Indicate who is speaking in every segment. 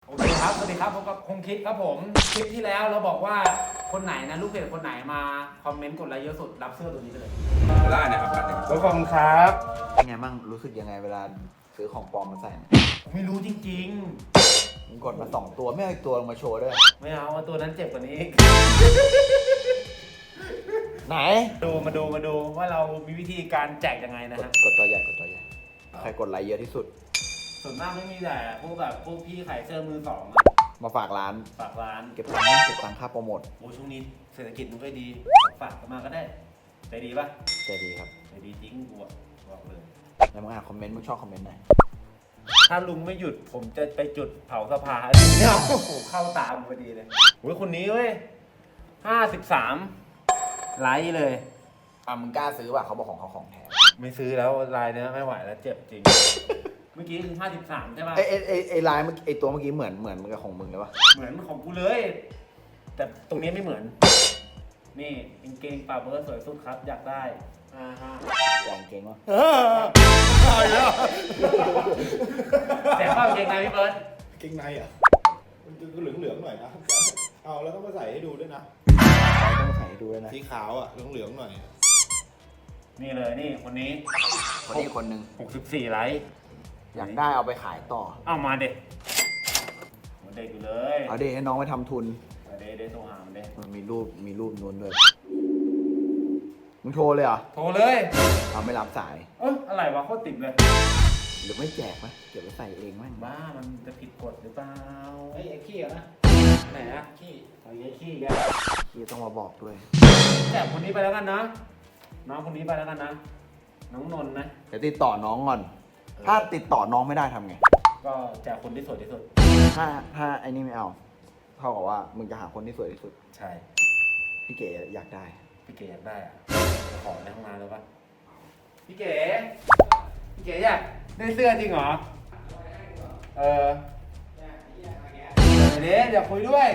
Speaker 1: โอเคครับสวัสดีครับผมกับคงคิดครับผมคลิปที่แล้วเราบอกว่าคนไหนนะลูกเพจคนไหนมาคอมเมนต์กดไลค์เยอะสุดรับเสื้อตัวนี้ไปเลย
Speaker 2: ได้นะครับบัตรหนึ่ง
Speaker 1: ขอบคุณครับ
Speaker 3: เป็นไงบ้างรู้สึกยังไงเวลาซื้อของปลอมมาใส่เนี่ย
Speaker 1: ไม่รู้จริง
Speaker 3: มึงกดมา2ตัวไม่เอาอีกตัวลงมาโชว์ด้วย
Speaker 1: ๆไม่เอาตัวนั้นเจ็บกว่านี้อีก
Speaker 3: ไหน
Speaker 1: มาดูว่าเรามีวิธีการแจกยังไงนะฮะ
Speaker 3: กดตัวใหญ่ใครกดไลค์เยอะที่สุด
Speaker 1: ส่วนมากไม่มีแต่พวกแบบพวกพี่ขายเสื้อมือสองอะ
Speaker 3: มาฝากร้าน
Speaker 1: ฝากร้าน
Speaker 3: เก็บตังค่าโปรโมท
Speaker 1: โอ้ช่วงนี้เศรษฐกิจมันก็ดีฝากกันมาก็ได้ใจดีปะ
Speaker 3: ใจดีครับ
Speaker 1: ใจดีจริงกูอะบอกเลย
Speaker 3: แล้วมึงอ่านคอมเมนต์มึงชอบคอมเมนต์ไหน
Speaker 1: ถ้าลุงไม่หยุดผมจะไปจุดเผาสภาเนี่ยโอ้โหเข้าตามพอดีเลยโอ้ยคนนี้เว้ย53ไลค์เลย
Speaker 3: มึงกล้าซื้อป่ะเขาบอกของเขาของแท้
Speaker 1: ไม่ซื้อแล้วลายเนี้ยไม่ไหวแล้วเจ็บจริง เมื่อกี้คือ53ใช่ป่ะ
Speaker 3: ไอ้ลายไอ้ตัวเมื่อกี้เหมือนกับของมึงเลยปะ
Speaker 1: เหมือนของกูเลย แต่ตรงนี้ไม่เหมือน นี่กางเกงปาเบิร์ดสวยสุดครับอยากได้ฮะ
Speaker 3: แจงเก่งวะ
Speaker 1: แต่ข้ากางเกงในพี่เบิร์ด
Speaker 2: เกงในอ่ะมันจะเหลืองๆหน่อยนะเอาแล้วต้องมาใส่ให้ดูด้วยนะ
Speaker 3: ต้องมาถ่ายให้ดูด้วยนะ
Speaker 2: สีขาวอ่ะเหลืองๆหน่อย
Speaker 1: นี่เลยนี่คนนี้
Speaker 3: คนนี้คนหนึ่ง
Speaker 1: 64ไลค์
Speaker 3: อยากได้เอาไปขายต่อ
Speaker 1: เอามาเด็กมันเด็กอยู่เลย
Speaker 3: เอาดิให้น้องไปทำทุน
Speaker 1: เด็กโทรหามันเด็ก
Speaker 3: มันมีรูปนู้นด้วยมึงโทรเลยเหรอ
Speaker 1: โทรเลย
Speaker 3: เอาไม่รับสาย
Speaker 1: อะไรวะโคตรติดเลย
Speaker 3: หรือไม่แจกไหมเก็บไว้ใส่เองมั้ง
Speaker 1: บ้ามันจะผิดกฎหรือเปล่าไอ้ขี้อะนะไหนอะขี้เอาไอ้ขี้แก
Speaker 3: ที่ต้องมาบอกด้วย
Speaker 1: แจกคนนี้ไปแล้วกันนะน้องคนนี้ไปแล้วกันนะน้องนนท์นะ
Speaker 3: เดี๋ยวติดต่อน้องก่อน ถ้าติดต่อน้องไม่ได้ทำไง
Speaker 1: ก็แจกคนที่สวยที่สุด
Speaker 3: ถ้าไอ้นี่ไม่เอา เท่ากับว่ามึงจะหาคนที่สวยที่สุด
Speaker 1: ใช่
Speaker 3: พี่เก๋อยากได้
Speaker 1: พี่เก๋อยากได้อะขอในห้องน้ำเลยปะพี่เก๋อยากได้เสื้อจริงเหรอเดี๋ยวคุยด้วย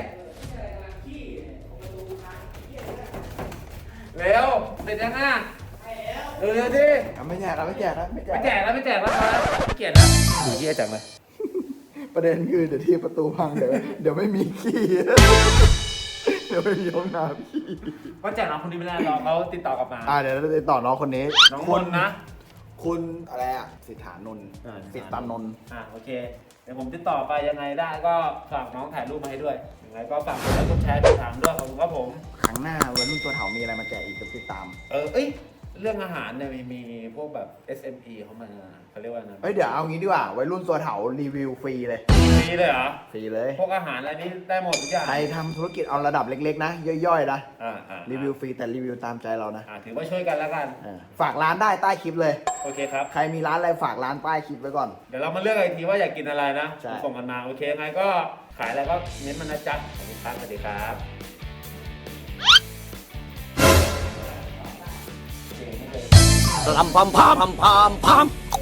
Speaker 1: เร็วเสร็จยังอ่ะเร็วดิ
Speaker 3: ไม่แจกแล้วไม่แจกแล้ว
Speaker 1: ไม่แจกแล้วไม่เกลียดแล้วดูเยี่ยจังเลย
Speaker 3: ประเด็นคือเดี๋ยวที่ประตูพังเดี๋ยวไม่มีขี้ เดี๋ยวไม่มีห้องน้ำขี้
Speaker 1: ก็แจกน้องคนนี้ไม่ได้รอเขาติดต่อกลับมา
Speaker 3: เดี๋ยวเราติดต่อน้องคนนี้
Speaker 1: น้องนนท์นะ
Speaker 3: คุณอะไรอะสิทธานนท์สิทธานนท์
Speaker 1: โอเคเดี๋ยวผมติดต่อไปยังไงได้ก็ฝากน้องถ่ายรูปมาให้ด้วยยังไงก็ฝากกดไลค์กดแชร์ติดตามด้วยขอบคุณครับผม
Speaker 3: ครั้งหน้าวัยรุ่นตัวเถามีอะไรมาแจกอีกก็ติดตาม
Speaker 1: เรื่องอาหารเนี่ยมีพวกแบบ SME เขามาเขาเรียกว่านะ
Speaker 3: เดี๋ยวเอางี้ดีกว่าวัยรุ่นตัวเถารีวิวฟรีเลย
Speaker 1: ฟรีเลยเหรอ
Speaker 3: ฟรีเลย
Speaker 1: พวกอาหารอะไรนี้ได้หมดทุกอย่าง
Speaker 3: ใครทำธุรกิจเอาระดับเล็กๆนะ ย่อยๆนะ รีวิว
Speaker 1: ฟ
Speaker 3: ฟรีแต่รีวิวตามใจเรานะ
Speaker 1: ถือว่าช่วยกันแล้วกัน
Speaker 3: ฝากร้านได้ใต้คลิปเลย
Speaker 1: โอเคครับ
Speaker 3: ใครมีร้านอะไรฝากร้านใต้คลิปไว้ก่อน
Speaker 1: เดี๋ยวเรามาเลือกอีกทีว่าอยากกินอะไรนะ
Speaker 3: ใช่
Speaker 1: ส่งกันมาโอเคยังไงก็ขายอะไรก็เน้นมันนะจ๊ะขอบคุณครับสวัสดีครับเก่งเลย
Speaker 4: ลำพามพามพามพาม